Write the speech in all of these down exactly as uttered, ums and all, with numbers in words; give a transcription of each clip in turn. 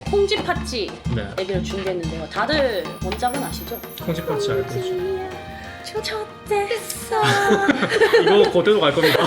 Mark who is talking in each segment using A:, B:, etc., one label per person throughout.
A: 콩쥐 팥쥐
B: 네.
A: 얘기를 준비했는데요. 다들 원작은 아시죠?
B: 콩쥐 팥쥐 알고 있죠.
A: 초초됐어.
B: 이거 그대로 갈 겁니다.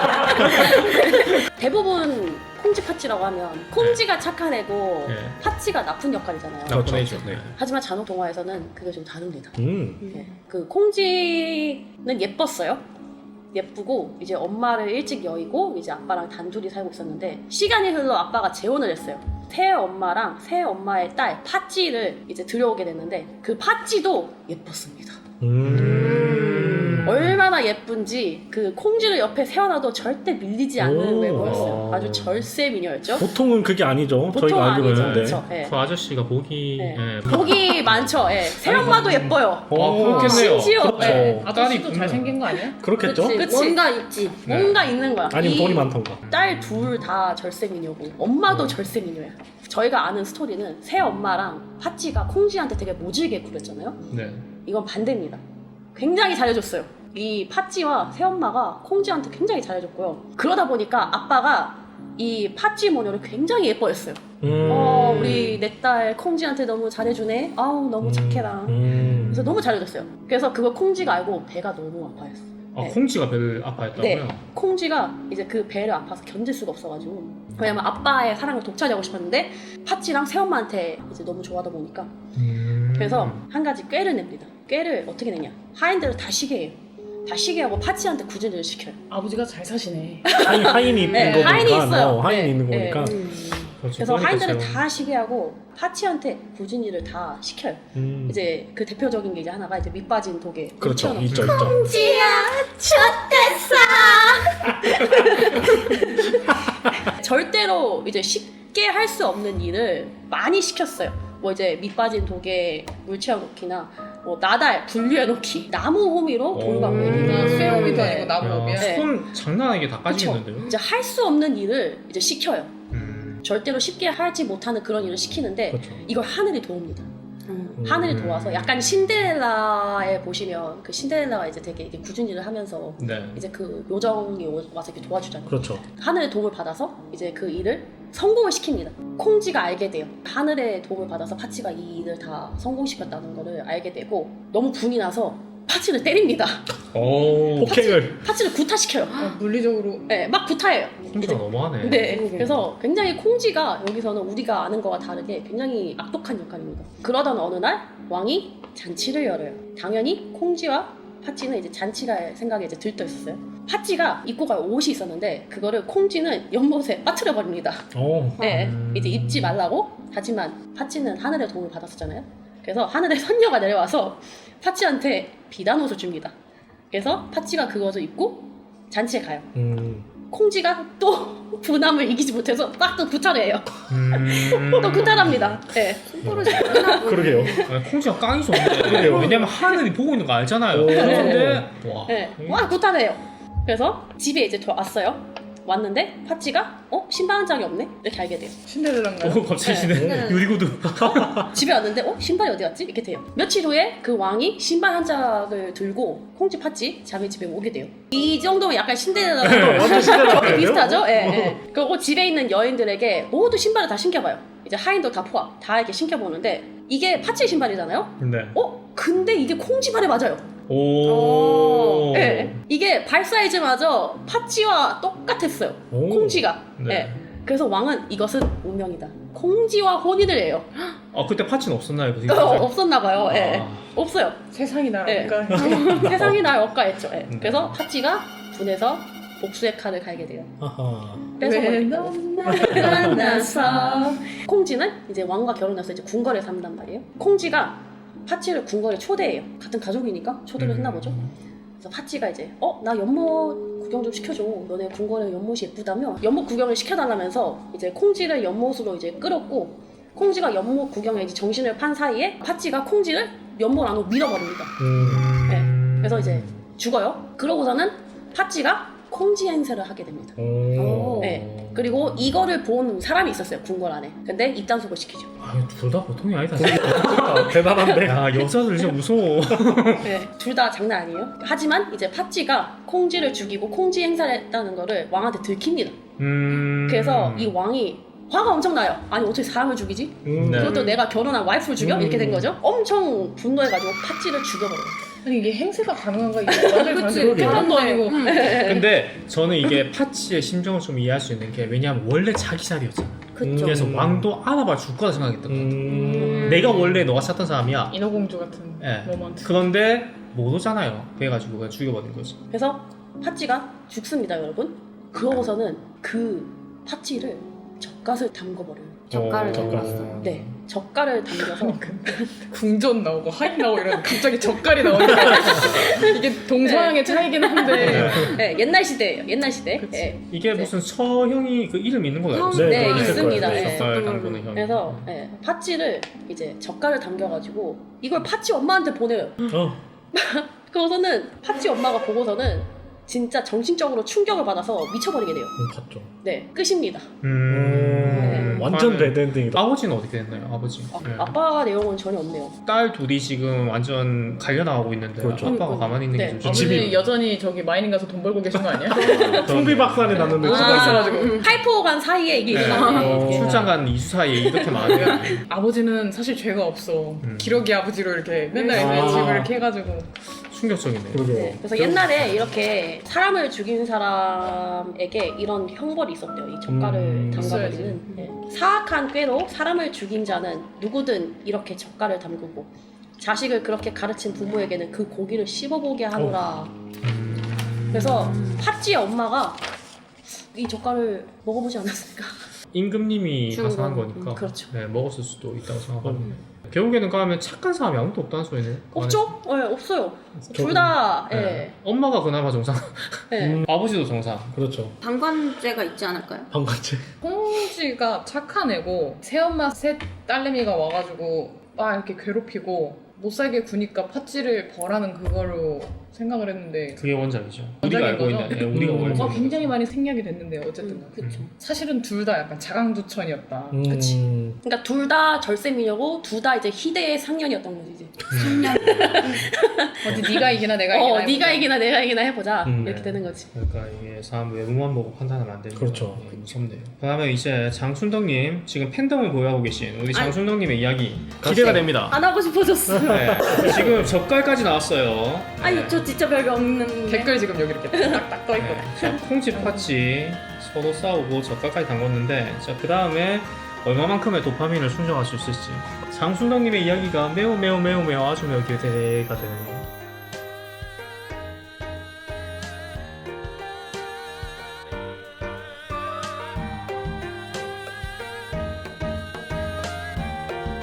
A: 대부분 콩쥐 팥쥐라고 하면 콩쥐가 착한 애고
B: 네.
A: 팥쥐가 나쁜 역할이잖아요.
B: 나쁜 애죠. 네.
A: 하지만 잔혹 동화에서는 그게 좀 다릅니다.
C: 음.
A: 네. 그 콩쥐는 예뻤어요. 예쁘고 이제 엄마를 일찍 여의고 이제 아빠랑 단둘이 살고 있었는데 시간이 흘러 아빠가 재혼을 했어요. 새 엄마랑 새 엄마의 딸 팥쥐를 이제 들여오게 됐는데 그 팥쥐도 예뻤습니다.
C: 음.
A: 얼마나 예쁜지 그 콩쥐를 옆에 세워놔도 절대 밀리지 않는
C: 오.
A: 외모였어요. 아주 절세 미녀였죠.
C: 보통은 그게 아니죠.
A: 보통
C: 저희가 알기로는.
A: 아니죠.
C: 네.
A: 그쵸? 예.
B: 그 아저씨가 보기
A: 네.
B: 예.
A: 복이 많죠. 예. 새엄마도 예뻐요.
B: 아, 그렇겠네요.
A: 심지어
C: 그렇죠.
A: 예.
D: 아저씨도 잘생긴 거 아니야?
C: 그렇겠죠?
A: 그치. 그치.
E: 뭔가 있지.
B: 네.
A: 뭔가 있는 거야.
C: 아니면
A: 이
C: 돈이 많던가.
A: 딸 둘 다 절세 미녀고 엄마도
C: 음.
A: 절세 미녀야. 저희가 아는 스토리는 새 엄마랑 팥쥐가 콩쥐한테 되게 모질게 굴렸잖아요.
B: 네.
A: 이건 반대입니다. 굉장히 잘해줬어요. 이 팥쥐와 새엄마가 콩쥐한테 굉장히 잘해줬고요. 그러다 보니까 아빠가 이 팥쥐 모녀를 굉장히 예뻐했어요.
C: 음.
A: 어, 우리 내 딸 콩쥐한테 너무 잘해주네. 아우 너무 착해라.
C: 음.
A: 그래서 너무 잘해줬어요. 그래서 그걸 콩쥐가 알고 배가 너무 아파했어.
B: 아,
A: 네.
B: 콩쥐가 배를 아파했다고요?
A: 네. 콩쥐가 이제 그 배를 아파서 견딜 수가 없어가지고 왜냐면 아빠의 사랑을 독차지하고 싶었는데 팥쥐랑 새엄마한테 이제 너무 좋아하다 보니까
B: 음.
A: 그래서 한 가지 꾀를 냅니다. 꾀를 어떻게 내냐? 하인들을 다 쉬게 해요. 다 쉬게 하고 팥쥐한테 구진을 시켜요.
D: 아버지가 잘 사시네.
C: 하인, 하인이 있는
A: 네,
C: 거니까.
A: 하인이 있어요.
C: 어, 하인이
A: 네,
C: 있는
A: 네.
C: 거니까.
E: 음.
B: 그렇죠.
A: 그래서
B: 그러니까
A: 하인들을
B: 제가-
A: 다 쉬게 하고 팥쥐한테 구진이를 다 시켜요.
C: 음.
A: 이제 그 대표적인 게 이제 하나가 이제 밑 빠진 독에
C: 그렇죠.
A: 묻혀놓고.
C: 있죠, 있죠.
E: 콩쥐야, 촛댔어.
A: 절대로 이제 쉽게 할 수 없는 일을 많이 시켰어요. 뭐 이제 밑 빠진 독에 물 채워놓기나 뭐 나달 분류해놓기, 나무 호미로 돌 감고
B: 음.
A: 있기나
D: 쇠오미도
A: 네.
D: 아니고 나무오미야.
B: 야,
A: 네.
B: 손 장난 아니게 다
A: 그쵸.
B: 까지겠는데요?
A: 이제 할 수 없는 일을 이제 시켜요.
B: 음.
A: 절대로 쉽게 하지 못하는 그런 일을 시키는데
C: 그렇죠.
A: 이걸 하늘이 도웁니다.
E: 음.
A: 하늘이
B: 음.
A: 도와서 약간 신데렐라에 보시면 그 신데렐라가 이제 되게 이렇게 굳은 일을 하면서
B: 네.
A: 이제 그 요정이 오- 와서 이렇게 도와주잖아요.
C: 그렇죠.
A: 하늘의 도움을 받아서 이제 그 일을 성공을 시킵니다. 콩쥐가 알게 돼요. 하늘의 도움을 받아서 팥쥐가 이 일을 다 성공시켰다는 거를 알게 되고 너무 분이 나서 팥쥐를 때립니다.
B: 오.
C: 폭행을.
A: 팥쥐를 구타시켜요.
D: 아, 물리적으로.
A: 네, 막 구타해요.
B: 콩쥐가 너무하네.
A: 네,
E: 그러게.
A: 그래서 굉장히 콩쥐가 여기서는 우리가 아는 거와 다르게 굉장히 악독한 역할입니다. 그러던 어느 날 왕이 잔치를 열어요. 당연히 콩쥐와 팥쥐는 이제 잔치갈 생각에 이제 들떠 있었어요. 팥쥐가 입고 갈 옷이 있었는데 그거를 콩쥐는 연못에 빠뜨려 버립니다.
C: 오.
A: 네,
B: 음.
A: 이제 입지 말라고. 하지만 팥쥐는 하늘의 도움을 받았었잖아요. 그래서 하늘의 선녀가 내려와서 팥쥐한테 비단 옷을 줍니다. 그래서 팥쥐가 그것을 입고 잔치에 가요.
C: 음.
A: 콩쥐가 또 분함을 이기지 못해서 딱 또 구타를 해요.
B: 음.
A: 또 구타랍니다. 네.
E: 손버릇이 없나 보네.
C: 그러게요.
B: 아니, 콩쥐가 깡이 좋은데.
C: 그러게요.
B: 왜냐면 하늘이 보고 있는 거 알잖아요.
C: 오.
B: 근데 와.
A: 네. 와 구타를 해요. 그래서 집에 이제 왔어요. 왔는데 팥쥐가 어? 신발 한 짝이 없네? 이렇게 알게 돼요.
D: 신데렐라인가요?
B: 오 갑자기
A: 네.
B: 시네. 유리구두.
A: 집에 왔는데 어? 신발이 어디 갔지? 이렇게 돼요. 며칠 후에 그 왕이 신발 한 짝을 들고 콩쥐 팥쥐 자기 집에 오게 돼요. 이 정도면 약간 신데렐라랑
C: 완전 신데렐라
A: 거의 비슷하죠? 예,
C: 어.
A: 예. 그리고 집에 있는 여인들에게 모두 신발을 다 신겨봐요. 이제 하인도 다 포함 다 이렇게 신겨보는데 이게 팥쥐 신발이잖아요?
B: 네.
A: 어? 근데 이게 콩쥐 발에 맞아요.
B: 오.
A: 예. 이게 발 사이즈마저 팥쥐와 똑같았어요.
C: 오.
A: 콩쥐가.
B: 네.
A: 예. 그래서 왕은 이것은 운명이다. 콩쥐와 혼인을 해요.
B: 아 그때 파츠는 없었나요? 그
A: 어, 없었나 봐요. 예.
B: 아.
A: 없어요.
D: 세상이
A: 네.
D: 나라니까.
A: 세상이 날 억까했죠. 예.
B: 네.
A: 그래서 팥쥐가 분해서 복수의 칼을 갈게 돼요.
C: 아하.
A: 뺏어버리니까. 만나서 콩쥐는 이제 왕과 결혼해서 이제 궁궐에 산단 말이에요. 콩쥐가 팥쥐를 궁궐에 초대해요. 같은 가족이니까 초대를
B: 음.
A: 했나 보죠. 그래서 팥쥐가 이제 어? 나 연못 구경 좀 시켜줘. 너네 궁궐에 연못이 예쁘다며 연못 구경을 시켜달라면서 이제 콩쥐를 연못으로 이제 끌었고 콩쥐가 연못 구경에 이제 정신을 판 사이에 팥쥐가 콩쥐를 연못 안으로 밀어버립니다.
C: 음.
A: 네. 그래서 이제 죽어요. 그러고서는 팥쥐가 콩쥐 행세를 하게 됩니다.
C: 오.
A: 네. 그리고 이거를 본 사람이 있었어요. 궁궐 안에. 근데 입단속을 시키죠.
B: 아둘 다 보통이 아니다.
C: 대단한데.
B: 야 여자들 진짜 무서워.
A: 네. 둘 다 장난 아니에요. 하지만 이제 팥쥐가 콩쥐를 죽이고 콩쥐 행사를 했다는 거를 왕한테 들킵니다.
B: 음.
A: 그래서 이 왕이 화가 엄청 나요. 아니 어떻게 사람을 죽이지?
C: 음.
B: 네.
A: 그것도 내가 결혼한 와이프를 죽여?
C: 음.
A: 이렇게 된 거죠. 엄청 분노해가지고 팥쥐를 죽여버려요.
D: 아니 이게 행세가 가능한가? 이게 완전히
E: 그치,
D: 가능해.
C: 그러게요.
D: 계란도 아니고.
B: 근데 저는 이게 파치의 심정을 좀 이해할 수 있는 게 왜냐하면 원래 자기 자리였잖아.
E: 그쵸.
B: 그래서
C: 음.
B: 왕도 알아봐 줄 거라 생각했던 것 같아.
C: 음.
B: 내가 원래 너가 찾던 사람이야.
D: 인어공주 같은
B: 예.
D: 모먼트.
B: 그런데 못 오잖아요. 그래가지고 그냥 죽여버린 거지.
A: 그래서 팥쥐가 죽습니다, 여러분. 그러고서는 그 팥쥐를 젓갓을 담궈버려요.
E: 젓갈을
C: 어,
E: 담갔어.
A: 네, 젓갈을 담겨서
D: 궁전 나오고 하인 나오고 이러는데 갑자기 젓갈이 나오니까 이게 동서양의 차이긴 한데
A: 네, 옛날 시대예요. 옛날 시대.
D: 그치.
A: 네.
B: 이게
A: 네.
B: 무슨 서형이 그 이름 있는 걸로 알고 있어요.
A: 네,
C: 있을
A: 있습니다.
C: 거예요.
A: 네.
B: 젓갈 담그는 형.
A: 그래서 네, 팥쥐를 이제 젓갈을 담겨가지고 이걸 팥쥐 엄마한테 보내요.
C: 어.
A: 그러고서는 팥쥐 엄마가 보고서는 진짜 정신적으로 충격을 받아서 미쳐버리게 돼요.
C: 음, 봤죠.
A: 네, 끝입니다.
B: 음.
C: 음, 완전
B: 아빠는-
C: 배드엔딩이다.
B: 아버지는 어떻게 됐나요? 아버지.
A: 아,
B: 네.
A: 아빠 내용은 전혀 없네요.
B: 딸 둘이 지금 완전 갈려나가고 있는데
C: 그렇죠.
B: 아빠가
A: 음,
B: 가만히 있는
A: 네.
B: 게 좀
D: 아버지
C: 집이-
D: 여전히 저기 마이닝 가서 돈 벌고 계신 거 아니야?
C: 풍비박산이 났는데
A: 아.
C: 지금
D: 죽어 있어가지고.
A: 팔포간 사이에 이게 일어나네.
C: 어.
A: 이게.
B: 출장 간 이수 사이에 이렇게 많은데
D: 아버지는 사실 죄가 없어.
B: 음.
D: 기러기 아버지로 이렇게 맨날
C: 아.
D: 애들 집을 이렇게 해가지고.
B: 충격적이네요.
C: 그러게요.
A: 네, 그래서 옛날에 이렇게 사람을 죽인 사람에게 이런 형벌이 있었대요. 이 젓갈을
C: 음.
A: 담가버리는. 네. 사악한 꾀로 사람을 죽인 자는 누구든 이렇게 젓갈을 담그고 자식을 그렇게 가르친 부모에게는 그 고기를 씹어보게 하노라.
B: 음.
A: 그래서 팥쥐의 엄마가 이 젓갈을 먹어보지 않았을까?
B: 임금님이
E: 주는
B: 가서 한
E: 거.
B: 거니까
A: 음, 그렇죠.
B: 네, 먹었을 수도 있다고 생각합니다.
C: 음.
B: 결국에는 가면 착한 사람이 아무도 없다는 소리네.
A: 없죠? 네, 없어요.
C: 저도-
A: 둘 다, 예.
B: 네. 엄마가 그나마 정상,
A: 네.
C: 음.
B: 아버지도 정상.
C: 그렇죠.
E: 방관죄가 있지 않을까요?
C: 방관죄.
D: 홍지가 착한 애고 새엄마 셋 딸내미가 와가지고 막 이렇게 괴롭히고 못 살게 구니까 팥쥐를 벌하는 그거로 생각을 했는데
B: 그게 원작이죠.
D: 원작인
B: 우리가 알고
D: 거죠?
B: 있는, 네, 우리가
C: 음.
B: 알고
D: 어,
B: 있는.
D: 굉장히 많이 생략이 됐는데 어쨌든
A: 음, 그쵸.
D: 사실은 둘 다 약간 자강두천이었다.
C: 음.
A: 그치. 그러니까 둘 다 절세미녀고 둘 다 이제 희대의 상년이었던 거지 이제.
D: 어디 네가 이기나 내가 이기나
A: 어,
D: 해보자.
A: 네가 이기나 내가 이기나 해보자
C: 음.
A: 이렇게 되는 거지.
B: 그러니까 이게 사람 외모만 보고 판단하면 안 되는
C: 그렇죠.
B: 거 무섭네요. 그다음에 이제 장순덕님 지금 팬덤을 보유하고 계신 우리 장순덕님의 이야기 기대가 됩니다.
A: 안 하고 싶어졌어.
B: 네, 지금 젓갈까지 나왔어요.
A: 아니 저 진짜 별거 없는데.
D: 댓글 지금 여기 이렇게 딱딱 떠 있거든.
B: 네, 콩집 파치 서로 싸우고 젓갈까지 담궜는데 자 그 다음에 얼마만큼의 도파민을 충족할 수 있을지 장순덕님의 이야기가 매우 매우 매우 매우 아주 매우 기대가 되는